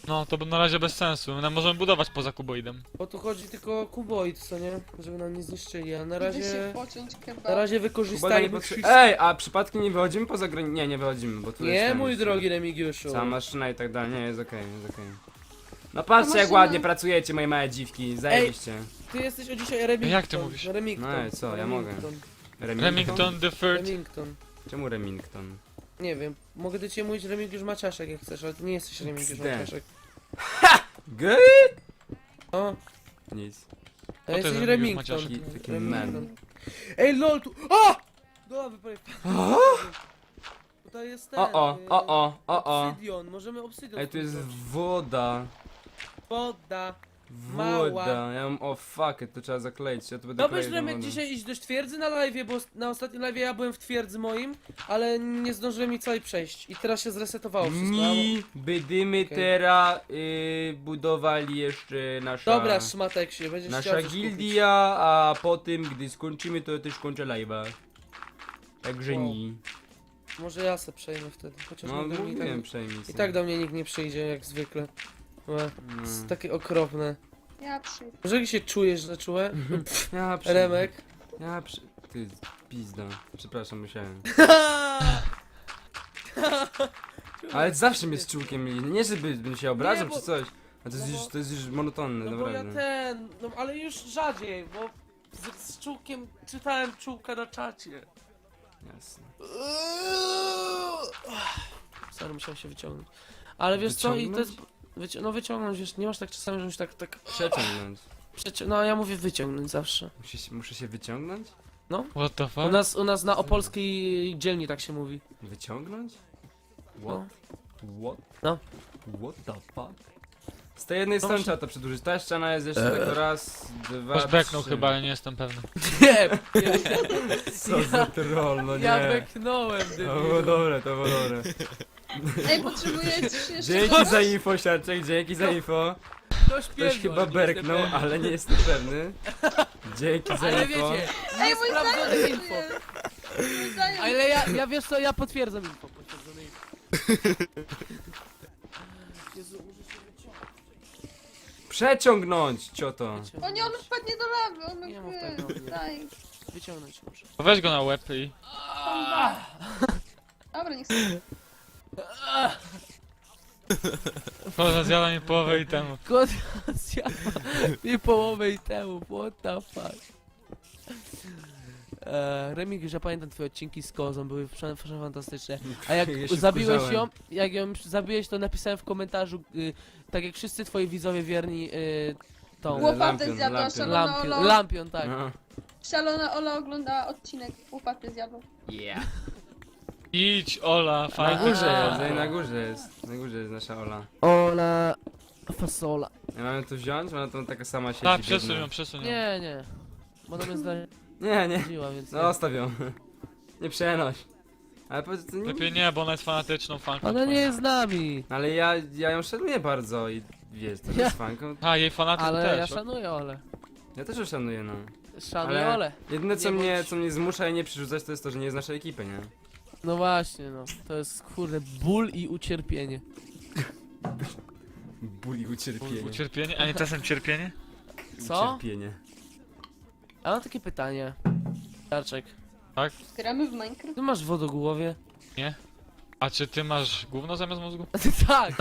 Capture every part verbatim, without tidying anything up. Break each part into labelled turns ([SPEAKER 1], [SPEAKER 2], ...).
[SPEAKER 1] No, to na razie bez sensu. No, możemy budować poza kuboidem.
[SPEAKER 2] Bo tu chodzi tylko o kuboid, co nie? Żeby nam nie zniszczyli, a na
[SPEAKER 3] Idę się
[SPEAKER 2] razie...
[SPEAKER 3] pociąć
[SPEAKER 2] Na
[SPEAKER 3] kebab.
[SPEAKER 2] razie
[SPEAKER 4] Kuba nie
[SPEAKER 2] wykorzystajmy
[SPEAKER 4] potrze...
[SPEAKER 2] wszystko.
[SPEAKER 4] Ej, a przypadkiem nie wychodzimy poza granicę? Nie, nie wychodzimy, bo tu jest
[SPEAKER 2] Nie,
[SPEAKER 4] tam
[SPEAKER 2] mój
[SPEAKER 4] jeszcze
[SPEAKER 2] drogi Remigiuszu.
[SPEAKER 4] cała maszyna i tak dalej, nie, jest okej, jest okej. No patrzcie jak
[SPEAKER 3] maszyna-
[SPEAKER 4] ładnie pracujecie, moje małe dziwki, zajebiście.
[SPEAKER 2] Ty jesteś o dzisiaj Remington.
[SPEAKER 1] Jak ty mówisz?
[SPEAKER 2] Remington.
[SPEAKER 4] No i co, ja mogę.
[SPEAKER 2] Remington.
[SPEAKER 1] Remington the Third.
[SPEAKER 2] Remington.
[SPEAKER 4] Czemu Remington?
[SPEAKER 2] Nie wiem, mogę do ciebie mówić Remigiusz Maciaszek jak chcesz, ale ty nie jesteś Remigiusz
[SPEAKER 4] Xd.
[SPEAKER 2] Maciaszek.
[SPEAKER 4] Good?
[SPEAKER 2] O,
[SPEAKER 4] Nic.
[SPEAKER 2] a
[SPEAKER 1] to
[SPEAKER 2] jesteś
[SPEAKER 1] jest
[SPEAKER 2] Remington.
[SPEAKER 1] Remigiusz
[SPEAKER 4] Taki- taki
[SPEAKER 2] Remington.
[SPEAKER 4] man.
[SPEAKER 2] Ej, lol, tu... O! Dobra, wypowiem. Tutaj jest ten...
[SPEAKER 4] O o,
[SPEAKER 2] y,
[SPEAKER 4] o o, o o.
[SPEAKER 2] Obsydion, możemy obsydion
[SPEAKER 4] Ej, tu jest
[SPEAKER 2] zbudować.
[SPEAKER 4] woda.
[SPEAKER 2] Woda. Mała.
[SPEAKER 4] Woda. Ja mam, o fuck it, to trzeba zakleić, ja tu będę
[SPEAKER 2] Dobrze,
[SPEAKER 4] kleił tą
[SPEAKER 2] Remek,
[SPEAKER 4] wodę.
[SPEAKER 2] dzisiaj iść do twierdzy na live, bo na ostatnim live ja byłem w twierdzy moim, ale nie zdążyłem mi całej przejść i teraz się zresetowało wszystko.
[SPEAKER 4] Nie, będziemy
[SPEAKER 2] Okej.
[SPEAKER 4] teraz y, budowali jeszcze nasza...
[SPEAKER 2] Dobra, szmatek się, będziesz
[SPEAKER 4] Nasza
[SPEAKER 2] chciał coś
[SPEAKER 4] gildia, a potem, gdy skończymy, to też kończę live'a. Także
[SPEAKER 2] Wow.
[SPEAKER 4] nie.
[SPEAKER 2] kupić. Może ja se przejmę wtedy, chociaż
[SPEAKER 4] No,
[SPEAKER 2] nigdy mi
[SPEAKER 4] mówiłem
[SPEAKER 2] tak,
[SPEAKER 4] przejmij
[SPEAKER 2] i
[SPEAKER 4] sobie.
[SPEAKER 2] tak do mnie nikt nie przyjdzie, jak zwykle. Łe,
[SPEAKER 4] No.
[SPEAKER 2] jest takie okropne.
[SPEAKER 3] Ja przyjdę.
[SPEAKER 2] Może jak się czujesz, że czułe?
[SPEAKER 4] Ja przy...
[SPEAKER 2] Remek?
[SPEAKER 4] Ja przy... Ty, pizda. Przepraszam, musiałem. Ale zawsze mnie z czułkiem, nie żeby bym się obrażał
[SPEAKER 2] Nie, bo-
[SPEAKER 4] czy coś. A to jest,
[SPEAKER 2] no
[SPEAKER 4] już,
[SPEAKER 2] bo-
[SPEAKER 4] to jest już monotonne,
[SPEAKER 2] No bo ja
[SPEAKER 4] naprawdę.
[SPEAKER 2] ten, no ale już rzadziej, bo z, z czułkiem czytałem czułka na czacie.
[SPEAKER 4] Jasne.
[SPEAKER 2] Sorry, musiałem się wyciągnąć. Ale wiesz co, i to jest...
[SPEAKER 4] Wyciągnąć?
[SPEAKER 2] Wyci no wyciągnąć, wiesz, nie masz tak czasami, że musisz tak, tak...
[SPEAKER 4] Przeciągnąć.
[SPEAKER 2] Przeci no ja mówię wyciągnąć zawsze.
[SPEAKER 4] Muszę się, muszę się wyciągnąć?
[SPEAKER 1] What the
[SPEAKER 2] U
[SPEAKER 1] fuck?
[SPEAKER 2] nas, u nas na opolskiej dzielni tak się mówi.
[SPEAKER 4] Wyciągnąć?
[SPEAKER 2] No.
[SPEAKER 4] What?
[SPEAKER 2] No.
[SPEAKER 4] What the fuck? Z tej jednej
[SPEAKER 2] No
[SPEAKER 4] strony
[SPEAKER 2] właśnie-
[SPEAKER 4] trzeba to przedłużyć. Ta ściana jest jeszcze tylko raz, dwa,
[SPEAKER 1] Masz beknął
[SPEAKER 4] trzy.
[SPEAKER 1] chyba, ale nie jestem pewny.
[SPEAKER 2] Nie!
[SPEAKER 4] Co za troll, no nie.
[SPEAKER 2] Ja beknąłem,
[SPEAKER 4] To
[SPEAKER 2] debilu.
[SPEAKER 4] było dobre, to było dobre.
[SPEAKER 3] Ej, potrzebuję ci jeszcze
[SPEAKER 4] Dzięki
[SPEAKER 3] kogoś?
[SPEAKER 4] za info, Siarczek, dzięki za info.
[SPEAKER 2] Ktoś
[SPEAKER 4] Ktoś
[SPEAKER 2] pierdol,
[SPEAKER 4] chyba
[SPEAKER 2] nie
[SPEAKER 4] berknął,
[SPEAKER 2] jestem pewny.
[SPEAKER 4] ale nie jestem pewny. Dzięki za
[SPEAKER 2] Ale
[SPEAKER 4] info.
[SPEAKER 2] wiecie,
[SPEAKER 3] Ej, mój
[SPEAKER 2] niesprawdzone
[SPEAKER 3] znajomy
[SPEAKER 2] info.
[SPEAKER 3] tu jest. Mój znajomy.
[SPEAKER 2] Ale ja, ja wiesz co, ja potwierdzam info. Potwierdzone info. Jezu, muszę się wyciągnąć.
[SPEAKER 4] Przeciągnąć, cioto.
[SPEAKER 3] O nie, on wpadnie do lawy, on
[SPEAKER 2] Nie mów
[SPEAKER 3] mnie
[SPEAKER 2] tak do mnie.
[SPEAKER 3] Daj.
[SPEAKER 2] Wyciągnąć muszę.
[SPEAKER 1] Weź go na łeb i...
[SPEAKER 3] Dobra, niech sobie.
[SPEAKER 1] Poza zjada mi połowę i temu.
[SPEAKER 2] Kot zjadła mi połowę i temu, what the fuck. Eee, Remig, że pamiętam twoje odcinki z Kozą, były prze- prze- fantastyczne. A jak
[SPEAKER 4] Ja się
[SPEAKER 2] zabiłeś ją,
[SPEAKER 4] wkurzałem.
[SPEAKER 2] jak ją zabiłeś, to napisałem w komentarzu, y, tak jak wszyscy twoi widzowie wierni, y, tą
[SPEAKER 4] Ło-
[SPEAKER 3] Łopatę
[SPEAKER 4] Lampion,
[SPEAKER 3] zjadła,
[SPEAKER 4] lampion.
[SPEAKER 3] szalona
[SPEAKER 2] lampion,
[SPEAKER 3] Ola.
[SPEAKER 2] lampion, tak.
[SPEAKER 4] No.
[SPEAKER 3] Szalona Ola oglądała odcinek. Łopatę zjadła.
[SPEAKER 4] Yeah.
[SPEAKER 1] Idź, Ola,
[SPEAKER 4] Na
[SPEAKER 1] fajnie.
[SPEAKER 4] górze
[SPEAKER 2] A.
[SPEAKER 4] jest, ej, na górze jest. Na górze jest nasza Ola.
[SPEAKER 2] Ola fasola.
[SPEAKER 4] Ja mamy tu wziąć? Ona tam taka sama siedzi.
[SPEAKER 1] Tak, przesuń
[SPEAKER 4] biedna.
[SPEAKER 1] ją, przesuń ją.
[SPEAKER 2] Nie, nie. Bo ona mnie
[SPEAKER 4] Nie, nie.
[SPEAKER 2] zdradziła, więc
[SPEAKER 4] No
[SPEAKER 2] nie.
[SPEAKER 4] zostaw ją. Nie przenoś. Ale powiedz, to nie...
[SPEAKER 1] Lepiej nie, bo ona jest fanatyczną fanką.
[SPEAKER 2] Ona nie jest z nami.
[SPEAKER 4] Ale ja, ja ją szanuję bardzo i wiesz, to
[SPEAKER 2] Ja-
[SPEAKER 4] jest fanką.
[SPEAKER 1] A, jej fanatyk
[SPEAKER 2] Ale ja
[SPEAKER 1] też.
[SPEAKER 2] szanuję Ole.
[SPEAKER 4] Ja też ją szanuję, no.
[SPEAKER 2] Szanuję
[SPEAKER 4] Ale-
[SPEAKER 2] Ole.
[SPEAKER 4] Jedyne co
[SPEAKER 2] Nie
[SPEAKER 4] mnie,
[SPEAKER 2] bądź-
[SPEAKER 4] co mnie zmusza jej nie przerzucać, to jest to, że nie jest naszej ekipy, nie?
[SPEAKER 2] No właśnie, no. To jest kurde ból i ucierpienie.
[SPEAKER 4] Ból i ucierpienie.
[SPEAKER 1] Ucierpienie? A nie czasem cierpienie?
[SPEAKER 2] Co?
[SPEAKER 4] Ucierpienie.
[SPEAKER 2] A mam takie pytanie. Darczek,
[SPEAKER 3] Gramy w Minecraft.
[SPEAKER 2] ty masz wodogłowie?
[SPEAKER 1] A czy ty masz gówno zamiast mózgu?
[SPEAKER 2] Tak!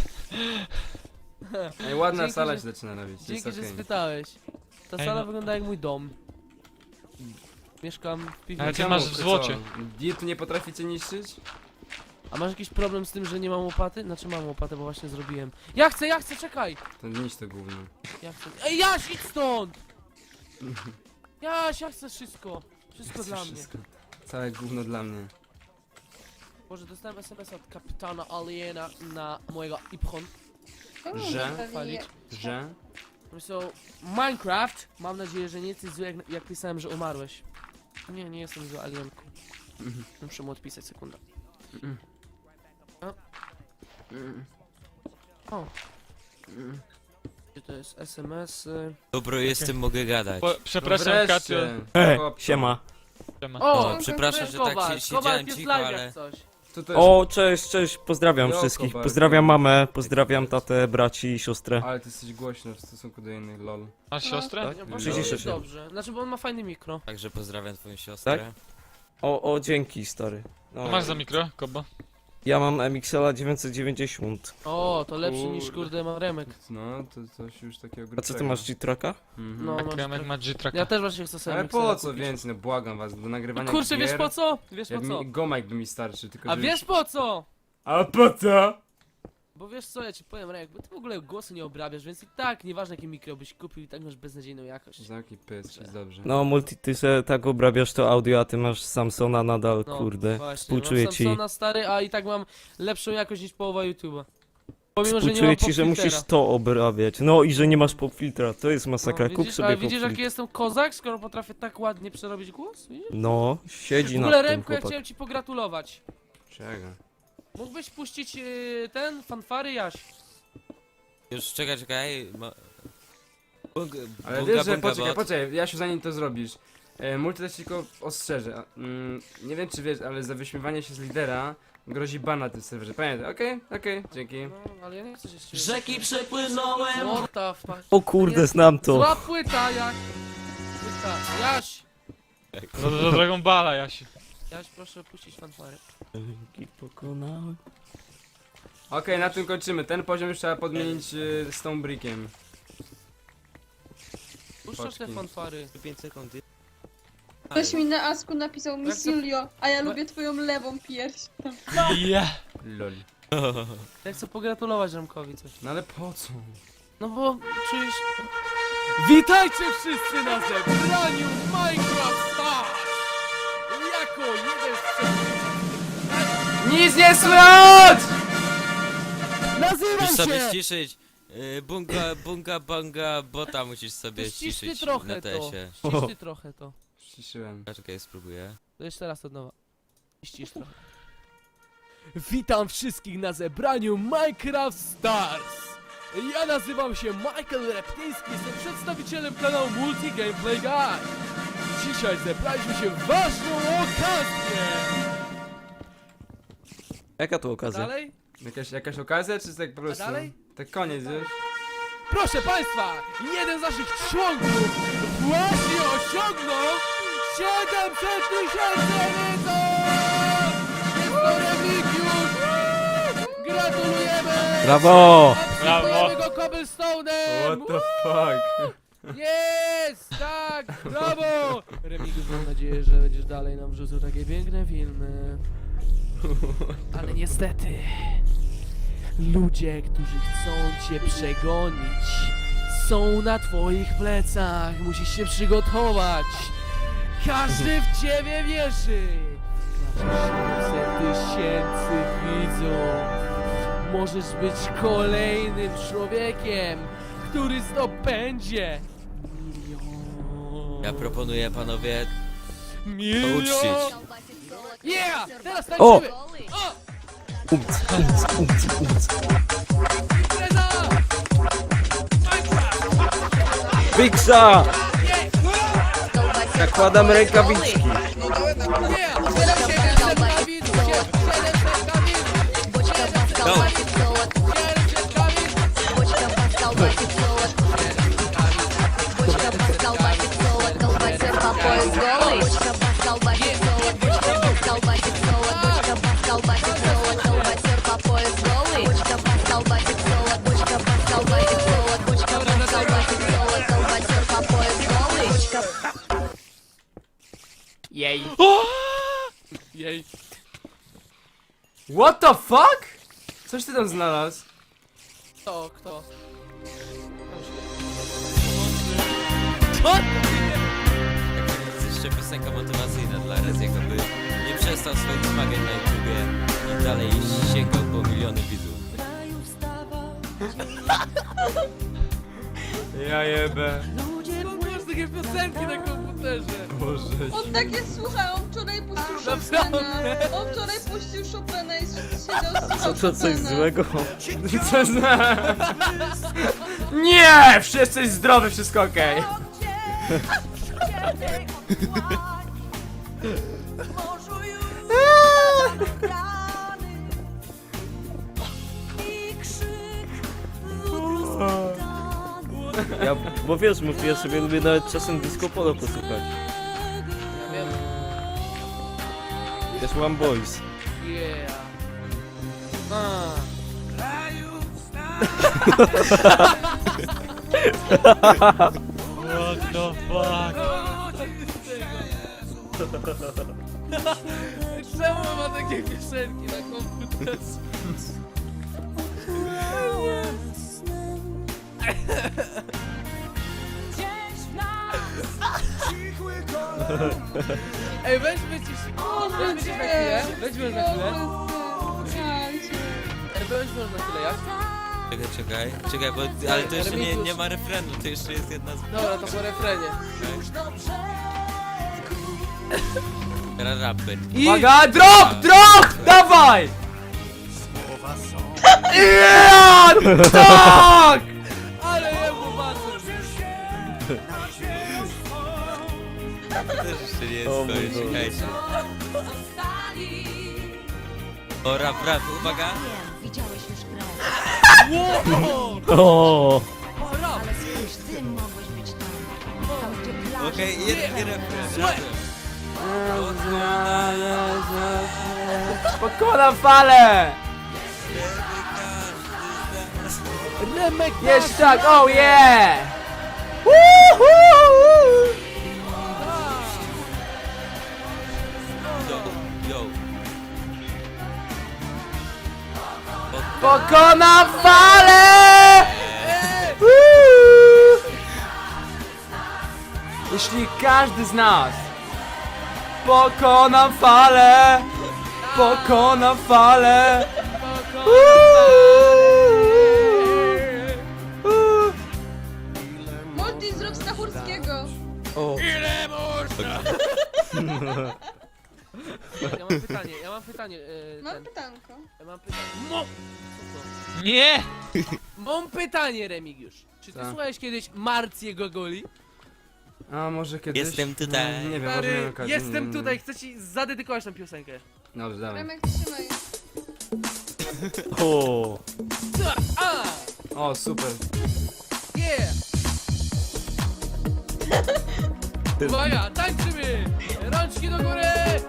[SPEAKER 4] Ej, ładna
[SPEAKER 2] Dzięki,
[SPEAKER 4] sala
[SPEAKER 2] że-
[SPEAKER 4] się zaczyna robić, jest
[SPEAKER 2] Dzięki, że
[SPEAKER 4] okej.
[SPEAKER 2] spytałeś. Ta
[SPEAKER 1] Ej,
[SPEAKER 2] sala
[SPEAKER 1] no.
[SPEAKER 2] wygląda jak mój dom. Mieszkam w
[SPEAKER 1] Ale
[SPEAKER 2] piwnicy.
[SPEAKER 1] ty
[SPEAKER 4] Czemu?
[SPEAKER 1] masz w
[SPEAKER 4] Wy
[SPEAKER 1] złocie.
[SPEAKER 4] co, Diety nie potraficie niszczyć?
[SPEAKER 2] A masz jakiś problem z tym, że nie mam łopaty? Znaczy mam łopatę, bo właśnie zrobiłem. Ja chcę, ja chcę, czekaj!
[SPEAKER 4] To niszcz to gówno.
[SPEAKER 2] Ja chcę. Ej, Jaś, idź stąd! Jaś, ja chcę wszystko. Wszystko
[SPEAKER 4] Chcę
[SPEAKER 2] dla mnie.
[SPEAKER 4] wszystko. Całe gówno dla mnie.
[SPEAKER 2] Boże, dostałem es em es od kapitana Aliena na mojego Ipchon.
[SPEAKER 3] Czemu
[SPEAKER 4] Że?
[SPEAKER 3] pewnie
[SPEAKER 2] Chwalić.
[SPEAKER 3] je-
[SPEAKER 4] Że?
[SPEAKER 2] So, Minecraft, mam nadzieję, że nie jesteś zły, jak, jak pisałem, że umarłeś. Nie, nie jestem zły, Alienku.
[SPEAKER 4] Mhm.
[SPEAKER 2] Muszę mu odpisać, sekunda.
[SPEAKER 4] Mhm.
[SPEAKER 2] A?
[SPEAKER 4] Mm.
[SPEAKER 2] O,
[SPEAKER 4] Mm.
[SPEAKER 2] gdzie to jest es em es? y?
[SPEAKER 5] Dobro, jestem, mogę gadać.
[SPEAKER 1] Po, przepraszam,
[SPEAKER 4] No
[SPEAKER 1] Katio.
[SPEAKER 4] wreszcie.
[SPEAKER 5] E,
[SPEAKER 4] Chłopco.
[SPEAKER 5] siema.
[SPEAKER 1] Siema.
[SPEAKER 2] O,
[SPEAKER 5] O, przepraszam, że tak się
[SPEAKER 2] Kowal,
[SPEAKER 5] siedziałem
[SPEAKER 2] jest
[SPEAKER 5] cicho,
[SPEAKER 2] live
[SPEAKER 5] ale...
[SPEAKER 2] jak coś.
[SPEAKER 4] To też...
[SPEAKER 6] O, cześć, cześć, pozdrawiam
[SPEAKER 4] Joko,
[SPEAKER 6] wszystkich.
[SPEAKER 4] bardzo.
[SPEAKER 6] Pozdrawiam mamę, pozdrawiam tatę, braci i siostrę.
[SPEAKER 4] Ale ty jesteś głośny w stosunku do innych, lol.
[SPEAKER 1] Masz siostrę?
[SPEAKER 2] Nie, bo
[SPEAKER 6] Przyciszę
[SPEAKER 2] jest
[SPEAKER 6] się.
[SPEAKER 2] dobrze. Znaczy, bo on ma fajny mikro.
[SPEAKER 5] Także pozdrawiam twoją siostrę.
[SPEAKER 6] Tak? O, o, dzięki, stary. No.
[SPEAKER 1] Co masz za mikro, Kobo?
[SPEAKER 6] Ja mam M X L dziewięćset dziewięćdziesiąt.
[SPEAKER 2] O, to lepszy niż
[SPEAKER 4] Kurde.
[SPEAKER 2] kurde ma Remek.
[SPEAKER 4] No, to coś już takiego
[SPEAKER 6] A co
[SPEAKER 4] grubszego.
[SPEAKER 6] ty masz, G-Tracka?
[SPEAKER 4] Mhm.
[SPEAKER 2] No,
[SPEAKER 1] Tak,
[SPEAKER 2] masz
[SPEAKER 1] Remek
[SPEAKER 2] trochę-
[SPEAKER 1] ma G-Tracka.
[SPEAKER 2] Ja też właśnie chcę sobie
[SPEAKER 4] Ale
[SPEAKER 2] miksera
[SPEAKER 4] po co
[SPEAKER 2] kupić.
[SPEAKER 4] więcej, no błagam was, do nagrywania
[SPEAKER 2] Kurczę, wiesz
[SPEAKER 4] gier,
[SPEAKER 2] po co? Wiesz
[SPEAKER 4] jak
[SPEAKER 2] po co?
[SPEAKER 4] mi, Gomek by mi starczy, tylko
[SPEAKER 2] A
[SPEAKER 4] że
[SPEAKER 2] wiesz po co?
[SPEAKER 4] A po co?
[SPEAKER 2] Bo wiesz co, ja ci powiem, Remek, bo ty w ogóle głosu nie obrabiasz, więc i tak, nieważne jakie mikro byś kupił, i tak masz beznadziejną jakość.
[SPEAKER 4] Zamknij pysk, jest dobrze.
[SPEAKER 6] No, multi, ty se tak obrabiasz to audio, a ty masz Samsona nadal,
[SPEAKER 2] No,
[SPEAKER 6] kurde.
[SPEAKER 2] właśnie,
[SPEAKER 6] Współczuję
[SPEAKER 2] mam
[SPEAKER 6] ci.
[SPEAKER 2] Samsona stary, a i tak mam lepszą jakość niż połowa YouTube'a. Pomimo, że nie
[SPEAKER 6] Współczuję
[SPEAKER 2] mam
[SPEAKER 6] ci, że
[SPEAKER 2] popfiltera.
[SPEAKER 6] musisz to obrabiać. No i że nie masz popfiltra, to jest masakra.
[SPEAKER 2] No,
[SPEAKER 6] Kup
[SPEAKER 2] widzisz,
[SPEAKER 6] sobie
[SPEAKER 2] ale widzisz jaki
[SPEAKER 6] popfiltr.
[SPEAKER 2] jestem kozak, skoro potrafię tak ładnie przerobić głos? Widzisz?
[SPEAKER 6] No, siedzi
[SPEAKER 2] W
[SPEAKER 6] na
[SPEAKER 2] ogóle
[SPEAKER 6] tym
[SPEAKER 2] Remku, ja
[SPEAKER 6] chłopak.
[SPEAKER 2] chciałem ci pogratulować.
[SPEAKER 4] Czego?
[SPEAKER 2] Mógłbyś puścić yy, ten, fanfary Jaś.
[SPEAKER 5] Już czekaj, czekaj. Ma... Bunga,
[SPEAKER 4] Ale
[SPEAKER 5] bunga,
[SPEAKER 4] wiesz, że
[SPEAKER 5] bunga,
[SPEAKER 4] poczekaj,
[SPEAKER 5] bot.
[SPEAKER 4] poczekaj, Jasiu, zanim to zrobisz. E, multi też tylko ostrzeże. a, Mm, nie wiem czy wiesz, ale za wyśmiewanie się z lidera grozi ban na tym serwerze. Pamiętaj, okej, okej, dzięki.
[SPEAKER 2] No, ale ja nie chcę się z ciebie.
[SPEAKER 7] Rzeki przepłynąłem.
[SPEAKER 2] What the fuck?
[SPEAKER 6] O kurde, znam to.
[SPEAKER 2] Zła płyta, jak. Płyta. Jaś!
[SPEAKER 1] Za, za Dragon Balla, Jasiu.
[SPEAKER 2] Jaś, proszę puścić fanfary.
[SPEAKER 6] Pokonałem.
[SPEAKER 4] Okej, na tym kończymy. Ten poziom już trzeba podmienić y, z tą brickiem.
[SPEAKER 2] Puszczasz te
[SPEAKER 4] Paczki.
[SPEAKER 2] fanfary.
[SPEAKER 5] pięć sekund.
[SPEAKER 3] Ktoś mi na Asku napisał
[SPEAKER 2] Jak
[SPEAKER 3] Miss
[SPEAKER 2] to-
[SPEAKER 3] Julio, a ja lubię twoją lewą pierś.
[SPEAKER 1] Yeah.
[SPEAKER 4] Lol.
[SPEAKER 2] Ja chcę pogratulować Remkowi coś.
[SPEAKER 4] No ale po co?
[SPEAKER 2] No bo czujesz... Witajcie wszyscy na zebraniu Minecraft Stars! Jako jeden z przewodniczących...
[SPEAKER 4] Nic nie słychać!
[SPEAKER 2] Nazywam
[SPEAKER 5] Musisz sobie
[SPEAKER 2] się!
[SPEAKER 5] ściszyć. y, Bunga, bunga, banga, bota musisz sobie
[SPEAKER 2] Ściśnij
[SPEAKER 5] ściszyć
[SPEAKER 2] trochę
[SPEAKER 5] na
[SPEAKER 2] to.
[SPEAKER 5] tesie.
[SPEAKER 2] Ściśnij trochę to.
[SPEAKER 4] Ściszyłem.
[SPEAKER 5] Czekaj, spróbuję.
[SPEAKER 2] To jeszcze raz od nowa. Ścisz trochę. Witam wszystkich na zebraniu Minecraft Stars! Ja nazywam się Michael Reptyński, jestem przedstawicielem kanału Multi Gameplay Guide. Dzisiaj zebraliśmy się w ważną okazję!
[SPEAKER 6] Jaka to okazja?
[SPEAKER 2] Dalej?
[SPEAKER 4] Jakaś, jakaś okazja, czy tak po prostu?
[SPEAKER 2] dalej?
[SPEAKER 4] Tak koniec już?
[SPEAKER 2] Proszę Państwa, jeden z naszych członków właśnie osiągnął siedemset tysięcy widzów! Jest to Remigiusz! Gratulujemy!
[SPEAKER 6] Brawo!
[SPEAKER 2] Obsypujemy go cobblestone'em!
[SPEAKER 4] What the fuck?
[SPEAKER 2] Jest! Tak! Brawo! Remigiusz, mam nadzieję, że będziesz dalej nam wrzucał takie piękne filmy. Ale niestety... Ludzie, którzy chcą cię przegonić, są na twoich plecach. Musisz się przygotować. Każdy w ciebie wierzy. Masz siedemset tysięcy widzów. Możesz być kolejnym człowiekiem, który zdobędzie milion.
[SPEAKER 5] Ja proponuję panowie
[SPEAKER 2] Milion.
[SPEAKER 5] uczcić.
[SPEAKER 2] Yeah! Teraz
[SPEAKER 6] O!
[SPEAKER 2] tańczymy! O!
[SPEAKER 6] Umc, umc, umc, umc.
[SPEAKER 2] Impreza! Minecraft!
[SPEAKER 6] Wiksa! Zakładam rękawiczki.
[SPEAKER 2] Yeah! siedemset kawinów! siedemset kawinów! siedemset
[SPEAKER 5] Go.
[SPEAKER 2] Jej! Jej!
[SPEAKER 4] What the fuck? Coś ty tam znalazł?
[SPEAKER 2] Kto? Kto?
[SPEAKER 5] To jest jeszcze piosenka motywacyjna dla Reziego, by nie przestał swoich zmagań na YouTubie i dalej sięgał po miliony widzów.
[SPEAKER 4] Ja jebę.
[SPEAKER 2] Skąd masz takie piosenki na komputerze?
[SPEAKER 4] Boże.
[SPEAKER 3] On takie słucha, on wczoraj puścił Chopina. On wczoraj puścił Chopina i siedział słuchał
[SPEAKER 6] Co to coś
[SPEAKER 3] Chopina.
[SPEAKER 6] złego?
[SPEAKER 4] Co zna? Nie! Wszyscy jest zdrowy, wszystko okej.
[SPEAKER 6] Ja, bo wiesz, mówię, ja sobie lubię nawet czasem disco polo posłuchać.
[SPEAKER 2] Ja wiem.
[SPEAKER 6] Też mam boys.
[SPEAKER 2] Yeah. A.
[SPEAKER 1] What the fuck?
[SPEAKER 2] Czemu ma takie piosenki na komputerze? Ej, weźmy ci... Weźmy ci na chwilę. Weźmy na chwilę. Ej, weźmy na chwilę, jak?
[SPEAKER 5] Czekaj, czekaj, czekaj, bo, ale to jeszcze nie, nie ma refrenu, to jeszcze jest jedna z...
[SPEAKER 2] Dobra, to po refrenie.
[SPEAKER 5] Teraz raper.
[SPEAKER 2] I...
[SPEAKER 4] Uwaga, drop, drop, dawaj! Yeah, tak!
[SPEAKER 2] Ale jemu bazur!
[SPEAKER 5] To też jeszcze nie jest
[SPEAKER 6] O
[SPEAKER 5] to,
[SPEAKER 6] mój Boże.
[SPEAKER 5] czekajcie. O, rap, rap, uwaga.
[SPEAKER 8] Widziałeś już grę,
[SPEAKER 2] Wow!
[SPEAKER 6] O,
[SPEAKER 8] ale spójrz, ty mogłeś być tam. Tam, gdzie plaża.
[SPEAKER 5] Okej, okay, jeden refren,
[SPEAKER 2] Słuchaj.
[SPEAKER 5] razem.
[SPEAKER 4] Pokonam falę!
[SPEAKER 2] Remek
[SPEAKER 4] Jeszcze tak, oh yeah! Woohoo!
[SPEAKER 5] Yo, yo.
[SPEAKER 4] Pokonam falę! Woo! Jeśli każdy z nas pokonam falę, pokonam falę.
[SPEAKER 3] Multi zrób Stachurskiego.
[SPEAKER 6] o.
[SPEAKER 2] Ja mam pytanie, ja mam pytanie. Yy,
[SPEAKER 3] Mam
[SPEAKER 2] ten,
[SPEAKER 3] pytanko.
[SPEAKER 2] ja mam pytanie. Mo... Co
[SPEAKER 1] Nie!
[SPEAKER 2] to? Mam pytanie, Remigiusz. Czy ty
[SPEAKER 4] Co?
[SPEAKER 2] słuchałeś kiedyś Marcję Gogoli?
[SPEAKER 4] A może kiedyś?
[SPEAKER 5] Jestem tutaj.
[SPEAKER 4] No, nie wiem, może miałem
[SPEAKER 2] Stary,
[SPEAKER 4] okazję. nie,
[SPEAKER 2] jestem
[SPEAKER 4] nie,
[SPEAKER 2] tutaj,
[SPEAKER 4] nie.
[SPEAKER 2] chcę ci zadedykować tę piosenkę.
[SPEAKER 4] Dobrze, dawaj.
[SPEAKER 3] Remek, trzymaj.
[SPEAKER 6] O.
[SPEAKER 2] A!
[SPEAKER 4] O, super.
[SPEAKER 2] Yeah! Uwaga, tańczymy! Rączki do góry!